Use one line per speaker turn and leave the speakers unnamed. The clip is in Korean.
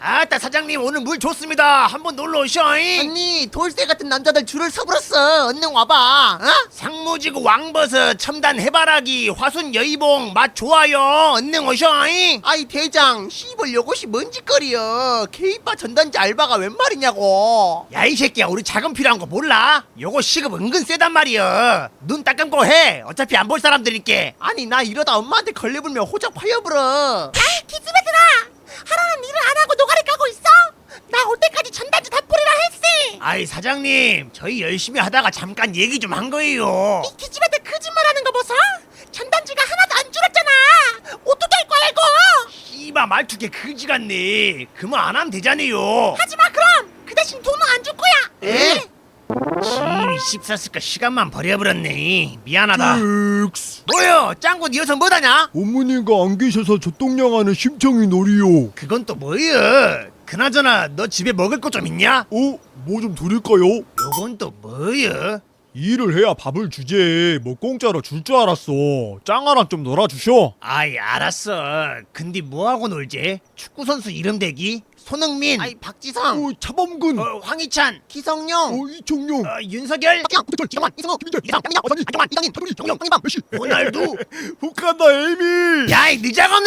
아따 사장님 오늘 물 좋습니다. 한번 놀러 오셔잉.
언니 돌쇠 같은 남자들 줄을 서불었어. 얼른 와봐. 어?
상무지구 왕버섯 첨단 해바라기 화순 여의봉 맛 좋아요. 얼른 오셔잉.
아이 대장 씨발 요것이 뭔 짓거리여. 케이바 전단지 알바가 웬 말이냐고.
야 이 새끼야 우리 자금 필요한 거 몰라? 요거 시급 은근 세단 말이여. 눈 딱 감고 해. 어차피 안 볼 사람들이께.
아니 나 이러다 엄마한테 걸려불면 호적 파여불어.
야이 기집애들아, 하라는 일을 안 하고 노가리 까고 있어? 나 올 때까지 전단지 다 뿌리라 했지.
아이 사장님 저희 열심히 하다가 잠깐 얘기 좀 한 거예요.
이 기집애들 거짓말하는 거 보소. 전단지가 하나도 안 줄었잖아. 어떻게 할 거야 이거?
씨바 말투게 그지 같네. 그만 안 하면 되잖아요.
하지마 그럼. 그 대신 돈은 안 줄 거야.
에?
지인이 씹쌌을까 시간만 버려버렸네. 미안하다.
엑스.
뭐여 짱구 니 여서 뭐다냐?
어머니가 안 계셔서 젖동량하는 심청이 놀이요.
그건 또 뭐여? 그나저나 너 집에 먹을 거 좀 있냐?
뭐 좀 드릴까요?
요건 또 뭐여?
일을 해야 밥을 주지. 뭐 공짜로 줄 줄 알았어. 짱아랑 좀 놀아주셔.
아이 알았어. 근데 뭐하고 놀지? 축구선수 이름 대기? 손흥민,
아이 박지성,
차범근.
황희찬,
기성용,
이청용.
윤석열,
박기영, 이정환, 이승우,
김민재,
이상, 양민영,
어선이,
이정환, 이강인,
박동희,
정용, 황희범,
메시.
호날두.
북한다 에이미.
야이 늦자고